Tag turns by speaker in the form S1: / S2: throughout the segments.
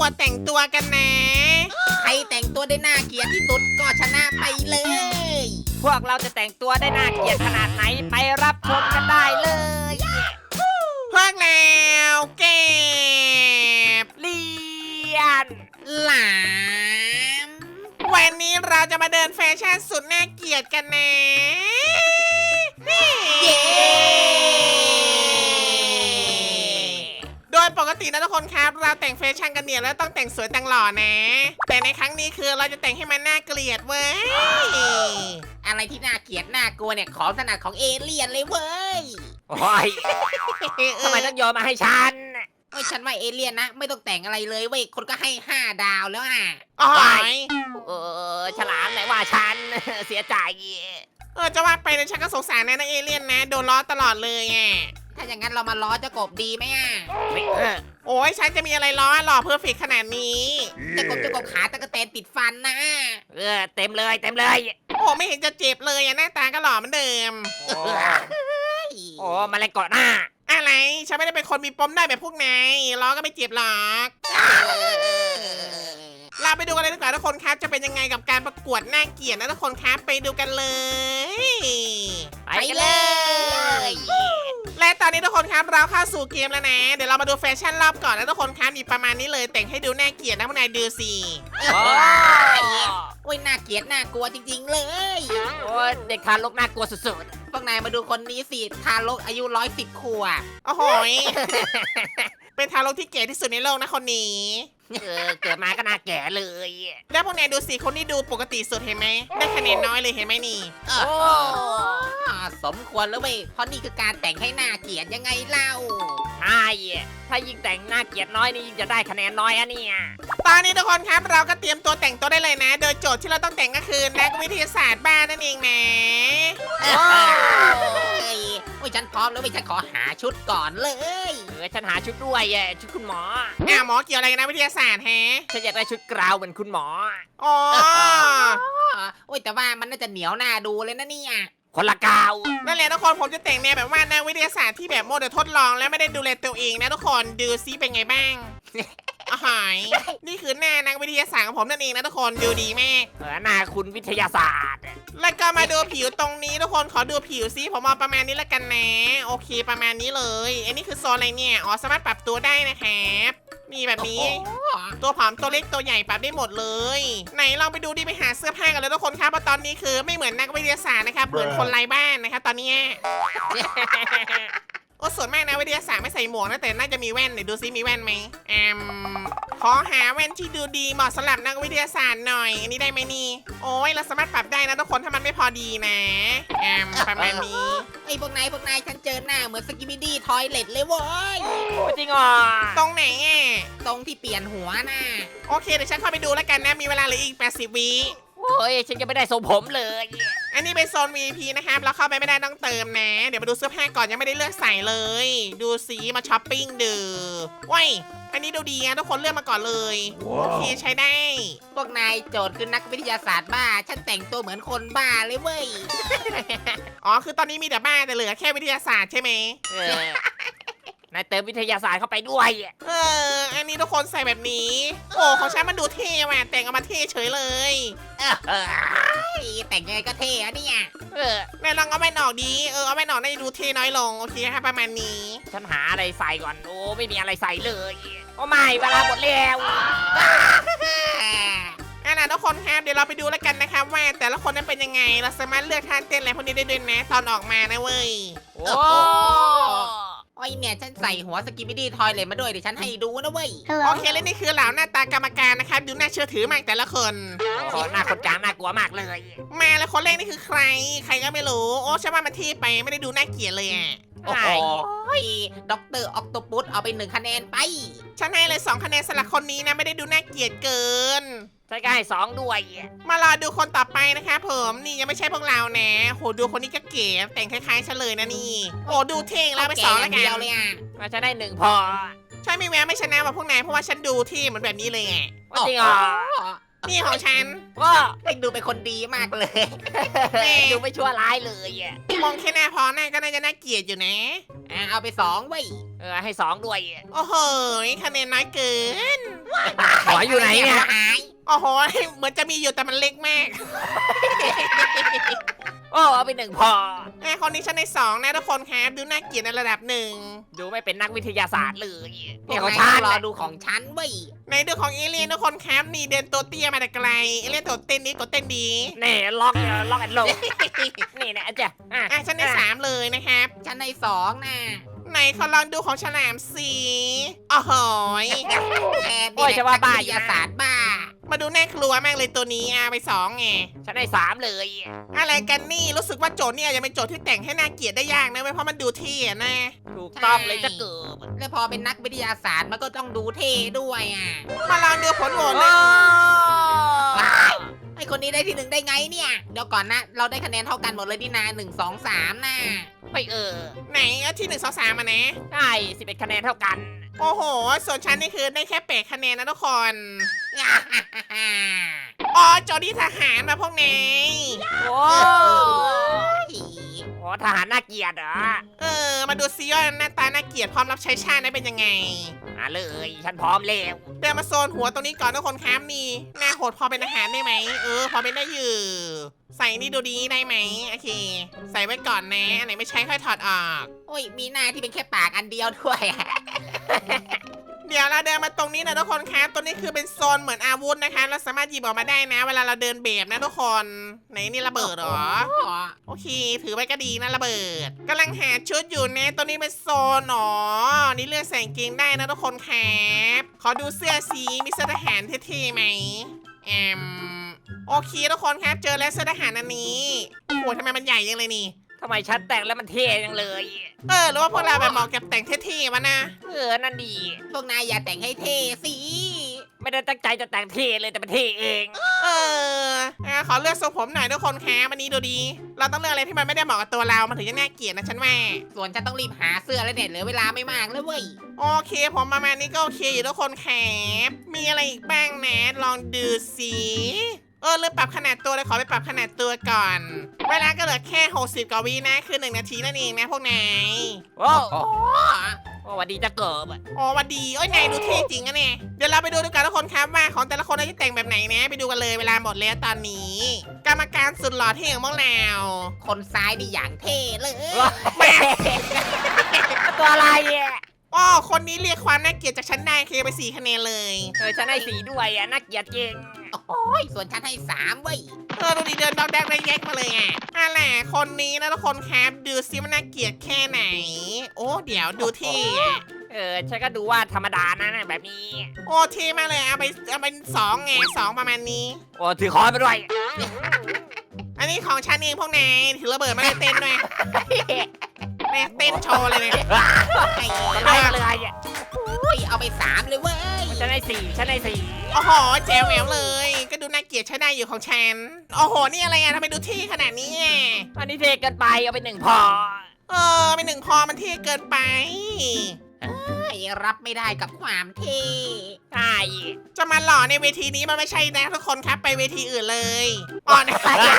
S1: วดแต่งตัวกันนะ
S2: ใครแต่งตัวได้น่าเกลียดที่สุดก็ชนะไปเลย
S3: พวกเราจะแต่งตัวได้น่าเกลียดขนาดไหนไปรับชมกันได้เลย
S1: พวกแล้วเก็บ
S3: เลียน
S2: หลาม
S1: วันนี้เราจะมาเดินแฟชั่นสุดน่าเกลียดกันนะนี่
S2: เย้
S1: โดยปกตินะทุกคนครับเราแต่งแฟชั่นกันเนี่ยแล้วต้องแต่งสวยแต่งหล่อนะ แต่ในครั้งนี้คือเราจะแต่งให้มันน่าเกลียดเว้ย
S2: อะไรที่น่าเกลียดน่ากลัวเนี่ยของถนัดของเอเลี่ยนเลยเว้ย
S3: โอ้ยทำไมต้องโยนมาให้ฉัน
S2: เอ้ยฉันว่าเอเลี่ยนนะไม่ต้องแต่งอะไรเลยเว้ยคนก็ให้5 ดาวแล้วอ่ะ
S1: อ๋อ
S3: ฉลามไหนว่าฉัน เสียใจ
S1: จะว่าไปนะฉันก็สงสารนะเอเลี่ยนนะโดนล้อตลอดเลยอ่ะ
S2: ถ้าอย่างนั้นเรามาล้อเจ้ากบดีไหมอ่ะ
S1: โอ้ยฉันจะมีอะไรล้อหล่อเพอร์เฟกขนาดนี้
S2: เจ้ากบขาตะกะแตนติดฟันนะ
S3: เต็มเลยเต็มเลย
S1: โอ้ไม่เห็นจะเจ็บเลยอ่ะหน้าตาก็หล่อเหมือนเดิม
S3: โอ้แมาแรงเกาะหน้า
S1: อะไรฉันไม่ได้เป็นคนมีปมได้แบบพวกนายล้อก็ไม่เจ็บหรอกเราไปดูกันเลยดีกว่าทุกคนครับจะเป็นยังไงกับการประกวดน่าเกลียดนะทุกคนครับไปดูกันเลย
S3: ไปกันเลย
S1: และตอนนี้ทุกคนครับเราเข้าสู่เกมแล้วนะเดี๋ยวเรามาดูแฟชั่นรอบก่อนนะทุกคนครับมีประมาณนี้เลยแต่งให้ดูน่าเกลียดนะพวกนายดูสิ
S2: โอ้ยน่าเกลียดน่ากลัวจริงๆเลย
S3: โอ้ยเด็กทารกน่ากลัวสุด
S2: พวกนายมาดูคนนี้สิทารกอายุ110 ขวบ
S1: โอ้โหยเป็นทารกที่เก๋ที่สุดในโลกนะคนนี้
S3: เกิดมาก็น่าแก่เลย
S1: แล้วพวกนายดูสิคนที่ดูปกติสุดเห็นไหมได้คะแนนน้อยเลยเห็นไหมนี่
S2: สมควรแล้วเว้ยเพราะนี่คือการแต่งให้น่าเกลียดยังไงเล่า
S3: ใช่ถ้ายิ่งแต่งน่าเกลียดน้อยนี่ยิ่งจะได้คะแนนน้อยอะเนี่ย
S1: ตอนนี้ทุกคนครับเราก็เตรียมตัวแต่งตัวได้เลยนะ โดยโจทย์ที่เราต้องแต่งก็คือนักวิทยาศาสตร์บ้านนั่นเองนะ
S2: เฮ้ยโอ้ยฉันพร้อมแล้วเว้ยฉันขอหาชุดก่อนเลย
S3: ฉันหาชุดด้วยชุดคุณหมอ
S1: หมอเกี่ยวอะไรกันนะวิทยาศาสตร์แฮะ
S3: ฉันอยากได้ชุดกราวเหมือนคุณหมอ
S1: อ๋อ
S2: โอ้ยแต่ว่ามันน่าจะเหนียวหน้าดูเลยนะเนี่ย
S3: คนละกาว
S1: นั่นแหละทุกคนผมจะแต่งแนวแบบว่านักวิทยาศาสตร์ที่แบบโมเดลทดลองและไม่ได้ดูแลตัวเองนะทุกคนดูซิเป็นไงบ้างอ๋อหายนี่คือหน้านักวิทยาศาสตร์ของผมนั่นเองนะทุกคนดูดีแม่
S3: หน้าคุณวิทยาศาสตร์
S1: แล้วก็มาดูผิวตรงนี้ทุกคนขอดูผิวซิผมเอาประมาณนี้ละกันนะโอเคประมาณนี้เลยอันนี้คือโซนอะไรเนี่ยอ๋อสามารถปรับตัวได้นะครับนี่แบบนี้ ตัวผอมตัวเล็กตัวใหญ่ปรับได้หมดเลย ไหนลองไปดูดิไปหาเสื้อผ้ากันเลยทุกคนครับเพราะตอนนี้คือไม่เหมือนนักวิทยาศาสตร์นะครับเหมือนคนไร้บ้านนะครับตอนนี้ โอ้ส่วนมากนะวิทยาศาสตร์ไม่ใส่หมวกนะแต่น่าจะมีแว่นเดี๋ยวดูซิมีแว่นไหมขอหาแว่นที่ดูดีเหมาะสำหรับนักวิทยาศาสตร์หน่อยอันนี้ได้ไหมนี่โอ้ยเราสามารถปรับได้นะทุกคนถ้ามันไม่พอดีนะประมาณนี้
S2: ไอ้พวกนายฉันเจอหน้าเหมือนสกิบิดี้ทอยเลตเลยเว้ย
S3: จริงเหรอ
S1: ตรงไหนอ่ะ
S2: ตรงที่เปลี่ยนหัวน่ะ
S1: โอเคเดี๋ยวฉันเข้าไปดูแล้วกันนะมีเวลาเหลืออีก80 วิ
S3: โอ้ยฉันยังไม่ได้ทรงผมเลย
S1: อันนี้เป็นโซน VIP นะครับเราเข้าไปไม่ได้ต้องเติมนะ เดี๋ยวมาดูเสื้อผ้าก่อนยังไม่ได้เลือกใส่เลย ดูสีมาช้อปปิ้งดูว้ยอันนี้ดูดีนะทุกคนเลือกมาก่อนเลยโอเคใช้ได้
S2: พวกนายโจทย์คือนักวิทยาศาสตร์บ้า ฉันแต่งตัวเหมือนคนบ้าเลยเว้ย
S1: อ๋อคือตอนนี้มีแต่บ้าแต่เหลือแค่วิทยาศาสตร์ใช่ไหม
S3: นายเติมวิทยาศาสตร์เข้าไปด้วย
S1: อันนี้ทุกคนใส่แบบนี้โอ้ของฉันมันดูเท่ว่ะแต่งออกมาเท่เฉยเลย
S2: แต่งยังไงก็เท่อะเนี่ย
S1: นายลองเอาแว่นออกดีเอาแว่นออกน่าจะดูเท่น้อยลงโอเคครับประมาณนี้
S3: ฉันหาอะไรใส่ก่อนโอ้ไม่มีอะไรใส่เลย โอ้ไม่เวลาหมดแล้ว
S1: นะทุกคนครับเดี๋ยวเราไปดูแล้วกันนะครับว่าแต่ละคนนั้นเป็นยังไงเราสามารถเลือกท่าเต้นอะไรพวกนี้ได้ด้วยนะตอนออกมานะเว้ย
S3: โอ้
S2: โอ้ยเนี่ยฉันใส่หัวสกิบิดี้ทอยเลตมาด้วยเดี๋ยวฉันให้ดูนะเว้ย
S1: โอเคและนี่คือเหล่าหน้าตากรรมการนะครับดูน่าเชื่อถือมากแต่ละคน
S3: หน้าคนกลางน่ากลัวมากเลย
S1: มาแล้วคนแรกนี่คือใครใครก็ไม่รู้โอ้ใช่ว่ามันเที่ไปไม่ได้ดูน่าเกลียดเลยอ่ะ
S2: โอ้โหด็อกเตอร์ออกโตปุสเอาไป1 คะแนนไป
S1: ฉันให้เลย2 คะแนนสำหรับคนนี้นะไม่ได้ดูน่าเกลียดเกิน
S3: ใช่ก็ให้2ด้วย
S1: มารอดูคนต่อไปนะครับผมนี่ยังไม่ใช่พวกเรานะโหดูคนนี้ก็เก๋แต่งคล้ายๆฉันเลยนะนี่โอ้ดูเท่งแล้วไป2แล้วกั
S2: เดียวน เลยอ่ะ
S3: มาฉันได้1พอ
S1: ใช่ไม่แววไม่ชนะว่าพวกนายเพราะว่าฉันดูที่เหมือนแบบนี้เลยอ่ะ
S3: จริงเหรอ
S1: นี่ของฉัน
S3: ว้า
S2: เอ็งดูเป็นคนดีมากเลย
S1: แม่
S3: ดูไม่ชั่วร้ายเลยอ่ะ
S1: มองแค่หน้าพอหน้าก็น่าจะน่าเกลียดอยู่นะ
S2: เอาไป2เว้ย
S3: ให้สองด้วยอะ
S1: โอ้โหคะแนนน้อยเกิน
S3: หัวอยู่ไหนเนี่ย
S2: หาย
S1: โอ้โหเหมือนจะมีอยู่แต่มันเล็กมาก
S3: โอ้เอาไปหนึ่งพอ
S1: คนนี้ฉันใน2นะทุกคนครับดูน่าเกลียดในระดับหนึ่ง
S3: ดูไม่เป็นนักวิทยาศาสตร์เลย
S2: พว
S3: เนี่ย
S2: ก
S3: ของ
S2: นาย
S3: ฉัน
S2: รอดูของฉันเว้ย
S1: ในดูของเอเลี่ยนทุกคนครับนี่เดินตัวเตี้ยมาแต่ไกลเอเลี่ยนตัวเต้นนี้ตัวเต้นดี
S3: นี่ล็อกแอนด์โลนี่นะจ๊ะ
S1: ฉันใน3เลยนะครับ
S2: ฉันใน2นะ
S1: ไหนขอลองดูของฉลามสีโอ้โหย
S3: โอ้ยจะว่าบ้า
S2: วิ
S3: อ
S2: ท
S3: ยู่
S2: ยา
S3: นะ
S2: ศาสตร์บ้า
S1: มาดูน่ากลัวมากเลยตัวนี้ไป2ไง
S3: ฉันได้สามเลย
S1: อะไรกันนี่รู้สึกว่าโจทย์เนี่ยจะเป็นโจทย์ที่แต่งให้น่าเกลียดได้ยากนะเว้ยเพราะมันดูเท่อะนะ
S3: ถูกต้องเลยจะเกิบ
S2: แล้วพอเป็นนักวิทยาศาสตร์มันก็ต้องดูเท่ด้วยอ่ะ
S1: มาลองดูผลโหวต
S3: โอ้
S1: นะ
S2: ไอคนนี้ได้ที่ 1ได้ไงเนี่ย เดี๋ยวก่อนนะ เราได้คะแนนเท่ากันหมดเลยนี่นา1 2 3นะ
S3: ไม่
S1: ไหนที่1 2 3มานะ
S3: ได้11คะแนนเท่ากัน
S1: โอ้โห ส่วนฉันนี่คือได้แค่8คะแนนนะทุกคน อ๋อโจทย์ที่ทหารมาพวกนี้
S3: โอ้โหทหารน่าเกลียดเหรอ
S1: มาดูซิว่าหน้าตาน่าเกลียดพร้อมรับใช้ชาติได้เป็นยังไง
S3: มาเลยฉันพร้อมแล้ว
S1: เดินมาโซนหัวตรงนี้ก่อนทุกคนครับนี่หน้าโหดพอเป็นอาหารได้ไหมพอเป็นได้อยู่ใส่นี่ดูดีได้ไหมโอเค ใส่ไว้ก่อนนะอันไหนไม่ใช้ค่อยถอดออก
S2: โอ้ยมีหน้าที่เป็นแค่ปากอันเดียวด้วยอะ
S1: เดี๋ยวเราเดินมาตรงนี้นะทุกคนครับตัวนี้คือเป็นโซนเหมือนอาวุธนะคะเราสามารถหยิบออกมาได้นะ เวลาเราเดินแบบนะทุกคนไหนนี่ระเบิดเหรอ โอเค ถือไว้ก็ดีนะระเบิดกำลังหาชุดอยู่นะตัวนี้เป็นโซนหนอนี่เลือกใส่กางเกงได้นะทุกคนครับขอดูเสื้อสีมีเสื้อทหารเท่ๆไหมโอเคทุกคนครับเจอแล้วเสื้อทหารอันนี้โอ้โหทำไมมันใหญ่ยังเลยนี่
S3: ทำไมฉันแต่งแล้วมันเท่จังเลย
S1: หรือว่าพวกเราแบบเหมาะกับแต่งเท่ๆวะนะ
S3: นั่นดี
S2: พวกนายอย่าแต่งให้เท่สิ
S3: ไม่ได้ตั้งใจจะแต่งเท่เลยแต่มันเท่เอง
S1: ขอเลือกทรงผมหน่อยทุกคนครับอันนี้ดูดี เราต้องเลือกอะไรที่มันไม่ได้เหมาะกับตัวเรามันถึงจะน่าเกลียดนะฉันว่า
S2: ส่วนฉันต้องรีบหาเสื้อแล้วเนี่ยเหลือเวลาไม่มากแล้วเว้ย
S1: โอเคผมประมาณนี้ก็โอเคอยู่ทุกคนครับมีอะไรอีกบ้างนะลองดูสิเลือกปรับขนาดตัวเลยขอไปปรับขนาดตัวก่อน เวลาก็เหลือแค่60กว่าวินะคือ1นาทีนั่นเองนะพวกนาย
S3: โอ้
S2: โอ้
S3: สวัสดีจะเกิบ
S1: อ๋อวันดีนายดูเท่จริงอะเนี่ยเดี๋ยวเราไปดูด้วยกันทุกคนครับว่าของแต่ละคนจะแต่งแบบไหนนะไปดูกันเลยเวลาหมดแล้วตอนนี้ กรรมการสุดหล่อเท่ของพวกเรา
S2: คนซ้ายนี่อย่างเท่เลย
S3: ตัวอะไรอ่ะ
S1: คนนี้เรียกความน่าเกลียดจากฉันได้คือไป4คะแนนเลย
S3: ฉันให้สีด้วยน่าเกลียดจริง
S2: โอ้ยส่วนฉันให้3เว้ย
S1: ดูดีเดินดอกแดกได้แยกมาเลยอะไรคนนี้นะทุกคนครับดูซิมันน่าเกลียดแค่ไหน เดี๋ยวดูที่
S3: ฉันก็ดูว่าธรรมดานะแบบนี้
S1: เท่มากเลยเอาเป็น2ไง2ประมาณนี้
S3: โอ้ถือค้อนไปด้วย
S1: อันนี้ของฉันเองพวกนายถือระเบิดมาได้เต้นด้วยเนี่ยเต้นโชว์เลยเนี่ย
S3: อะไรเลย
S2: โอ้ยเอาไป3เลยเว้ย
S3: ฉันให้สี่ฉันให้สี่
S1: โอ้โหแจ๋วแหววเลย ก็ดูน่าเกลียดใช้ได้อยู่ของฉันโอ้โหนี่อะไรทำไมดูเท่ขนาดนี้
S3: อันนี้เท่เกินไปเอาไป1พอ
S1: เป็น1พอมันเท่เกินไป
S2: รับไม่ได้กับความเท่
S3: ใช่
S1: จะมาหล่อในเวทีนี้มันไม่ใช่นะทุกคนครับไปเวทีอื่นเลยนะ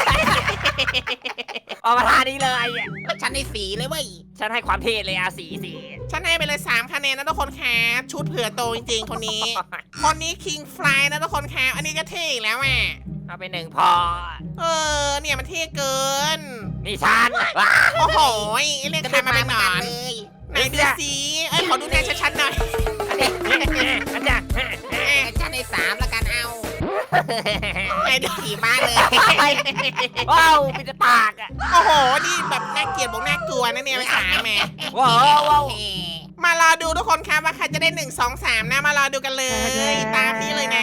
S3: ออกมาท่านี้เลย
S2: ฉันให้4เลยเว้ย
S3: ฉันให้ความเท่เลยสี่
S1: ฉันให้ไปเลย3คะแนนนะทุกคนครับชุดเผื่อโตจริงๆคนนี้ คนนี้คิงฟลายนะทุกคนครับอันนี้ก็เท่อีกแล้วอ่ะ
S3: เอาไป1พอ
S1: เนี่ยมันเท่เกิน
S3: นี่ฉัน
S1: โอ้โหเล่น
S2: กระ
S1: ใคร
S2: โดด
S1: มา
S2: มา
S1: เป็นหนอน
S2: เลย
S1: ไหนดูสิขอดูหน้าชัดๆหน่อย
S3: ฉันจะ
S2: ฉันให้3แล้วกันเอา
S1: ไหนดู
S2: ขี่ม้าเลย
S3: ว้าวมีแต่ปากอ่ะ
S1: โอ้โหนี่แบบน่าเกลียดบอกน่ากลัวนะเนี่ยไป3แม่
S3: ว้าวว้าว
S1: มารอดูทุกคนครับว่าใครจะได้1 2 3นะมารอดูกันเลยตามนี้เลยนะ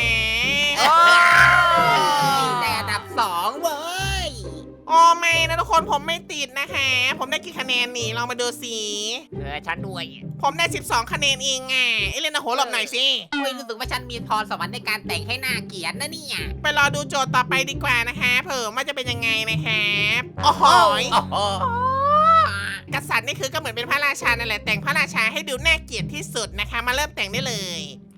S2: แต่อันดับ2เว้ย
S1: ไม่นะทุกคนผมไม่ติดนะคะผมได้กี่คะแนนนี่ลองมาดูสิ
S3: ฉันด้วย
S1: ผมได้12คะแนนเองเล่นนะโหหลบหน่อยสิ
S2: รู้สึกว่าฉันมีพรสวรรค์ในการแต่งให้หน้าเกลียดนะเนี่ย
S1: ไปรอดูโจทย์ต่อไปดีกว่านะคะเผื่อว่าจะเป็นยังไงนะครับโอ้โห กษัตริย์นี่คือก็เหมือนเป็นพระราชานั่นแหละแต่งพระราชาให้ดูน่าเกลียดที่สุดนะคะมาเริ่มแต่งได้เลย โอ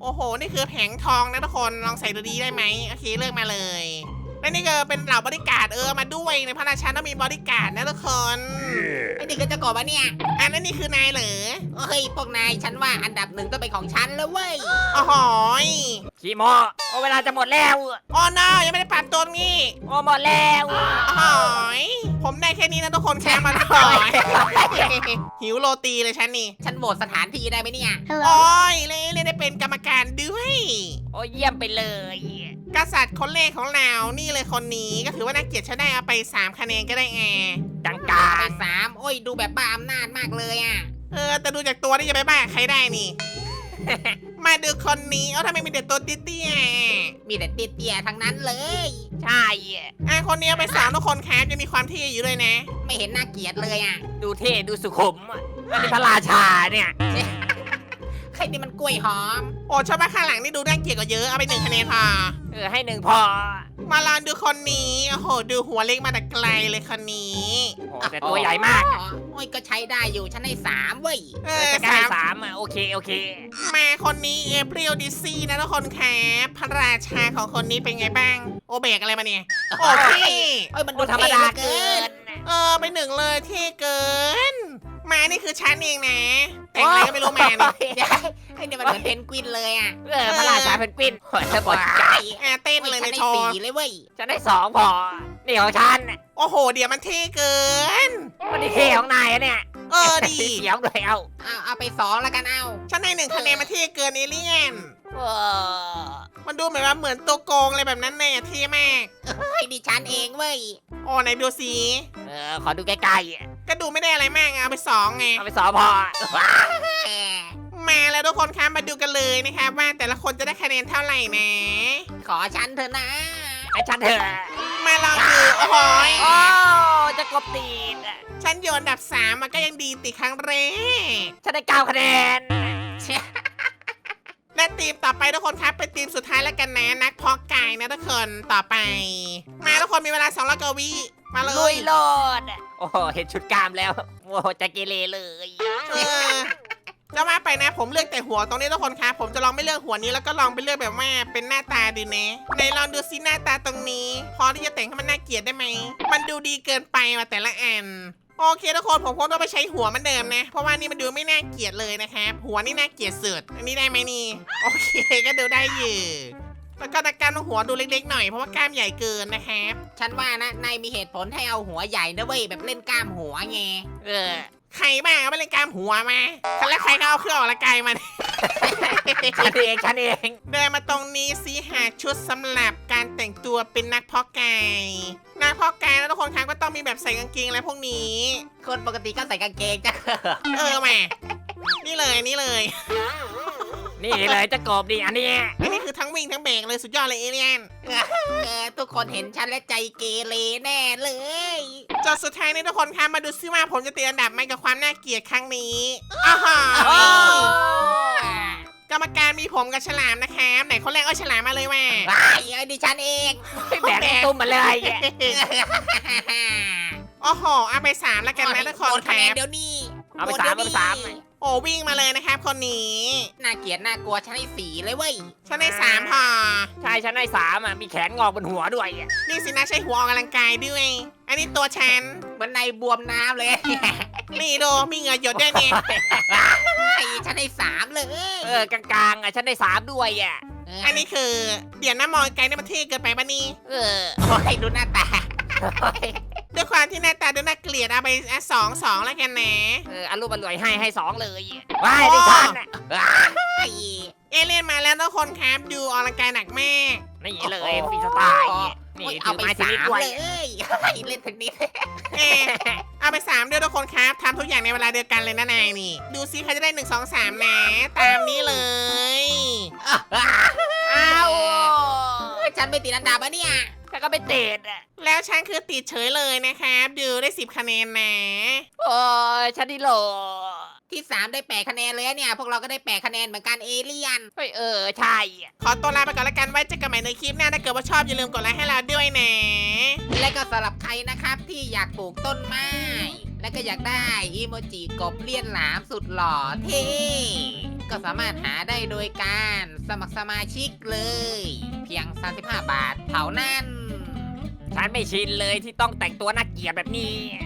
S1: โอ้โห นี่คือแผงทองนะทุกคน ลองใส่ดูดีได้ไหมโอเคเลือกมาเลย และนี่ก็เป็นเหล่าบริการดมาด้วยในพระราชาต้องมีบริการดนะทุกคน
S2: ไอ้นี่ก็จะกบวะเนี่ย
S1: อันนั้นนี่คือนายเหรอ
S2: เฮ้ยพวกนายฉันว่าอันดับหนึ่งต้องเป็นของฉันแล้วเว้ย
S1: โอ้โหย
S3: ขี้โมโอ้เวลาจะหมดแล้ว
S1: โอ้น้ายังไม่ได้ปรับตัวนี่
S3: โอ้หมดแล้ว
S1: โอ้โหยผมได้แค่นี้นะทุกคนแค่มาหน่อยหิวโรตีเลยฉันนี่
S2: ฉันโหวตสถานที่ได้ไหมเนี่ย
S1: โอ้ยเลยได้เป็นกรรมการด้วย
S3: โอ้เยี่ยมไปเลย
S1: กษัตริย์คนแรกของเรานี่เลยคนนี้ก็ถือว่าน่าเกลียดฉันได้เอาไป3คะแนนก็ได้แอร์
S3: จัง
S2: ไป
S3: กา
S2: 3โอ้ยดูแบบบ้าอำนาจมากเลยอ่ะ
S1: แต่ดูจากตัวนี่จะไปบ้าใครได้นี่ มาดูคนนี้ทำไมมีแต่ตัวเตี้ย
S2: มีแต่เตี้ยๆทั้งนั้นเลย
S3: ใช่
S1: คนนี้เอาไปสามทุกคนครับจะมีความเท่อยู่ด้วยนะ
S2: ไม่เห็นน่าเกลียดเลยอ่ะ
S3: ดูเท่ดูสุขุมอันนี้พระราชาเนี่ย
S2: ใครนี่มันกล้วยหอม
S1: โอ้ชอบว่าข้างหลังนี่ดูน่าเกลียดกว่าเยอะเอาไป1คะแนนพอ
S3: ให้หนึ่งพอ
S1: มาลองดูคนนี้โอ้โหดูหัวเล็กมาแต่ไกลเลยคนนี้
S3: โอ้แต่ตัวใหญ่มาก
S2: โอ้ยก็ใช้ได้อยู่ฉันให้3เว้ย
S3: จะได้สามโอเคโอเค
S1: มาคนนี้เอเปรียลดิซี่นะทุกคนครับพระราชาของคนนี้เป็นไงบ้าง โอเบกอะไรมาเนี่ยโอเค
S2: เอ้ยมัน
S3: โอ้
S2: ดู
S3: ธรรมดา
S2: เท่
S3: เกิน
S1: ไป1เลยเท่เกิน มานี่คือฉันเองนะ แต่งอะไรก็ไม่รู้มาเนี่ย
S2: เดี๋ยวไอ้นี่มันเหมือนเพนกวินเลยอ่ะ
S3: พระราชาเป็นกวินโอ้ยเธอบอกใจ
S1: เต้น
S2: โอ้ย
S1: เลย
S2: ฉั
S1: ใน
S2: นให้
S1: โชว์
S2: 4เลยเว้ย
S3: ฉันได้2พอ นี่ของฉัน
S1: โอ้โห เดี๋ยวมันเท่เกิน
S3: วันนี้เท่ของนายอะเนี่ย
S1: ดี
S3: สีเขียวด้วยเอา
S2: เอาไป2แล้วกันเอา
S1: ฉันให้1คะแนนมันเท่เกินเอเลี่ยน
S3: เออ
S1: มันดูเหมือนว่าเหมือนตัวโกงอะไรแบบนั้นเนี่ยเท่มาก
S2: เฮ้ยดิฉันเองเว้ย
S1: โอ้ไหนดูสิ
S3: ขอดูใกล้
S1: ก็ดูไม่ได้อะไรมากเอาไป2ไง
S3: ๆเอาไป2พอ
S1: มาแล้วทุกคนครับมาดูกันเลยนะครับว่าแต่ละคนจะได้คะแนนเท่าไหร่นะ
S2: ขอฉันเถอะนะ
S3: ไอ้ฉันเถอะ
S1: มาลองดูโอ้โหย
S3: โอ้จะกบตีน
S1: ฉันโยนอันดับ3มันก็ยังดีติดครั้งแรก
S3: ฉันได้9คะแนน
S1: และทีมต่อไปทุกคนครับเป็นทีมสุดท้ายแล้วกันนะนักเพาะกายนะทุกคนต่อไป มาทุกคนมีเวลา200กว่าวิมาเล
S3: ลุ
S1: ย
S3: ยโลดโอ้โหเห็นชุดกล้ามแล้วโอ้โหจะเกเรเลย
S1: เออจะมาไปนะผมเลือกแต่หัวตรงนี้ทุกคนครับผมจะลองไม่เลือกหัวนี้แล้วก็ลองไปเลือกแบบว่าเป็นหน้าตาดูนะไหนลองดูซิหน้าตาตรงนี้ พอที่จะแต่งให้มันน่าเกลียดได้ไหมมันดูดีเกินไปมาแต่ละอันโอเคทุกคนผมคงต้องไปใช้หัวเหมันเดิมนะ เพราะว่านี่มันดูไม่น่าเกลียดเลยนะครับหัวนี่น่าเกลียดสุดอันนี้ได้ไหมนี่โอเคก็ดูได้อยู่แล้วก็ตะการหัวดูเล็กๆหน่อยเพราะว่ากล้ามใหญ่เกินนะครับ
S2: ฉันว่านะนายมีเหตุผลให้เอาหัวใหญ่นะเว้ยแบบเล่นกล้ามหัวไง
S3: เออ
S1: ใครบ้างเอาไปเล่นกล้ามหัวมาแล้วใครก็เอาเครื่องออกกำลังกายมา
S3: ฉันเอง
S1: เดินมาตรงนี้สิหาชุดสำหรับการแต่งตัวเป็นนักเพาะกายนักเพาะกายแล้วทุกคนครับก็ต้องมีแบบใส่กางเกงอะไรพวกนี้
S2: คนปกติก็ใส่กางเกงจ้ะ
S1: แหมนี่เลย
S3: นี่เลยจะกบดีอันนี้
S1: อันนี้คือทั้งวิ่งทั้งเบรกเลยสุดยอดเลยเอเลียน
S2: ทุกคนเห็นฉันและใจเกเรแน่เลย
S1: จนสุดท้ายนี้ทุกคนครับมาดูซิว่าผมจะตีอันดับไหมกับความน่าเกลียดครั้งนี้อ้าว
S3: โอ้
S1: กรรมการมีผมกับฉลามนะครับไหนคนแรกเอาฉลามมาเลยว่า
S2: ไอ้ดิฉันเอง
S3: ไม่แบกไอ้ตุ้มมาเลย
S1: โอ้โหเอาไป3แล้วกันนะทุกคน
S2: หมด
S1: ค
S2: คะแน
S1: รั
S2: น
S1: บ
S2: เดี๋ยวนี้
S3: เอาไป
S2: หมด
S3: 3
S2: ดี๋ยว
S3: เอาไป
S2: นี้
S3: 3
S1: โอ้วิ่งมาเลยนะครับคนนี้
S2: น่าเกลียดน่ากลัวฉันให้4เลยเว้ย
S1: ฉันได้3พอ
S3: ใช่ฉันได้3มีแขนงอกบนหัวด้วย
S1: นี่สินะใช้หัวออกกำลังกายด้วย อันนี้ตัวฉัน
S2: เหมือนในบวมน้ำเลย
S1: นี่ดูมีเหงื่อหยดด้วยเนี่ย
S2: ฉันให้3เลย
S3: กลางๆฉันได้3ด้วย
S1: อันนี้คือเดี๋ยวนะมองไกลนี่มันเท่เกินไปปะนี่
S2: โอ้ยดูหน้าตา
S1: ด้วยความที่หน้าตาดูน่าเกลียดเอาไป2แล้วกันนะ
S3: อารมณ์อร่อยให้2เลยว้ายได้ฉัน
S1: เอเลี่ยนมาแล้วทุกคนครับดูออกกำลังกายหนักมาก
S3: นี่เลยฟรีสไตล์นี่
S2: เอา
S3: ถือ
S2: ไป
S3: ไม้ชนิด
S2: 3
S3: ด้วย
S2: เลยเล่นเทนนิส
S1: เอาไป3ด้วยทุกคนครับทำทุกอย่างในเวลาเดียวกันเลยนะนายนี่ ดูซิใครจะได้1 2 3นะตามนี้เลย
S3: อ้าว
S2: ฉันไม่ติดอันดับอะเนี่ย
S3: ฉันก็ไม่เตะ
S1: แล้วฉันคือติดเฉยเลยนะครับดูได้10คะแนนนะ
S3: โอ้ยฉันนี่โหล
S2: ที่ 3 ได้8คะแนนเลยเนี่ย พวกเราก็ได้8คะแนนเหมือนกันเอเลี่ยน
S3: เฮ้ยใช่
S1: ขอตัวลาไปก่อนแล้วกันไว้เจอกันใหม่ในคลิปหน้าถ้าเกิดว่าชอบอย่าลืมกดไลค์ให้เราด้วยนะ
S2: และก็สำหรับใครนะครับที่อยากปลูกต้นไม้ และก็อยากได้อีโมจิกบเลี่ยนหลามสุดหล่อเท่ก็สามารถหาได้โดยการสมัครสมาชิกเลย เพียง 35 บาทเท่านั้น
S3: ฉันไม่ชินเลยที่ต้องแต่งตัวน่าเกลียดแบบนี้